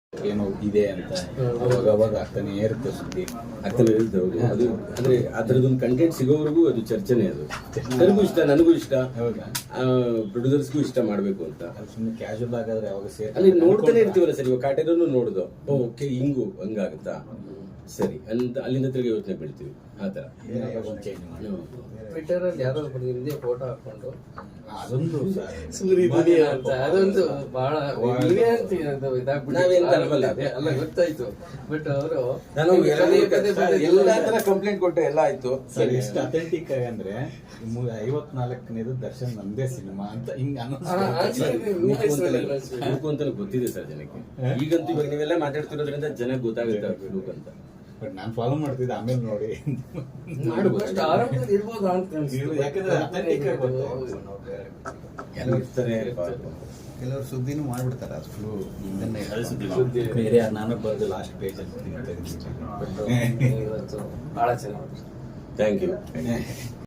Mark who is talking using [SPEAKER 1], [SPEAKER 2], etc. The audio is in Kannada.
[SPEAKER 1] ಏನೋ ಇದೆ ಅಂತ ಅವಾಗ ಆಗ್ತಾನೆ ಇರುತ್ತೆ ಸುದ್ದಿ
[SPEAKER 2] ಆಗ್ತಾನೆ ಇರುತ್ತೆ. ಹೌದು, ಅದು ಅಂದ್ರೆ ಅದರದೊಂದು ಕಂಟೆಂಟ್ ಸಿಗೋವರೆಗೂ ಅದು ಚರ್ಚೆನೆ. ಅದು ನನಗೂ ಇಷ್ಟ, ನನಗೂ ಇಷ್ಟ, ಪ್ರೊಡ್ಯೂಸರ್ಸ್ಗೂ ಇಷ್ಟ ಮಾಡಬೇಕು ಅಂತ.
[SPEAKER 1] ಸುಮ್ಮನೆ ಕ್ಯಾಶುವಲ್ ಆಗಾದ್ರೆ ಯಾವಾಗ
[SPEAKER 2] ಅಲ್ಲಿ ನೋಡ್ತಾನೆ ಇರ್ತೀವಲ್ಲ ಸರ್. ಇವಾಗ ಕಾಟೇರನ್ನು ನೋಡುದು, ಓಕೆ ಹಿಂಗು ಹಂಗಾಗುತ್ತಾ ಸರಿ ಅಂತ ಅಲ್ಲಿಂದ ತಿರುಗಿ ಯೋಚನೆ ಬೀಳ್ತೀವಿ. ಆ ಥರ
[SPEAKER 1] ಚೇಂಜ್ ಮಾಡಿ
[SPEAKER 3] ಟ್ವಿಟರ್ ಅಲ್ಲಿ ಯಾರೋ ಹಿಂದೆ ಫೋಟೋ ಹಾಕೊಂಡು
[SPEAKER 1] ಅದೊಂದು
[SPEAKER 3] ಅದೊಂದು ಬಹಳ
[SPEAKER 2] ನಾವೇನ್ ತರಬಲ್ಲ.
[SPEAKER 3] ಅಲ್ಲ ಗೊತ್ತಾಯ್ತು. ಬಟ್ ಅವರು
[SPEAKER 2] ನಾನು ಎಲ್ಲಾ ತರ ಕಂಪ್ಲೇಂಟ್ ಕೊಟ್ಟೆ, ಎಲ್ಲ ಆಯ್ತು.
[SPEAKER 1] ಸರ್ ಎಷ್ಟು ಅಥೆಂಟಿಕ್ ಆಗಿ ಅಂದ್ರೆ 54ನೇದು ದರ್ಶನ್ ನಂದೇ ಸಿನಿಮಾ ಅಂತ ಹಿಂಗ
[SPEAKER 2] ಅಂತ ಗೊತ್ತಿದೆ ಸರ್ ಜನಕ್ಕೆ. ಈಗಂತೂ ಇವಾಗ ನೀವೆಲ್ಲ ಮಾತಾಡ್ತಿರೋದ್ರಿಂದ ಜನಕ್ಕೆ ಗೊತ್ತಾಗುತ್ತೆ ಫ್ಲೂಕ್ ಅಂತ.
[SPEAKER 1] ಬಟ್ ನಾನು ಫಾಲೋ ಮಾಡ್ತಿದ್ದೆ, ಆಮೇಲೆ ನೋಡಿ
[SPEAKER 3] ಅಷ್ಟು ಆರಾಮದಲ್ಲಿ ಇರ್ಬೋದು ಅಂತ
[SPEAKER 1] ಯಾಕಂದ್ರೆ ಅಥೆಂಟಿಕ್ ಆಗಿ
[SPEAKER 2] ಎಲ್ಲ ಇರ್ತಾರೆ.
[SPEAKER 4] ಕೆಲವರು ಸುದ್ದಿನೂ ಮಾಡ್ಬಿಡ್ತಾರೆ ಅದು ಫುಲ್
[SPEAKER 1] ಬೇರೆ ನಾನು ಬರೋದು ಲಾಸ್ಟ್ ಪೇಜ್ ಅಂತ
[SPEAKER 3] ಬಹಳ ಚೆನ್ನಾಗಿ
[SPEAKER 2] ಥ್ಯಾಂಕ್ ಯು.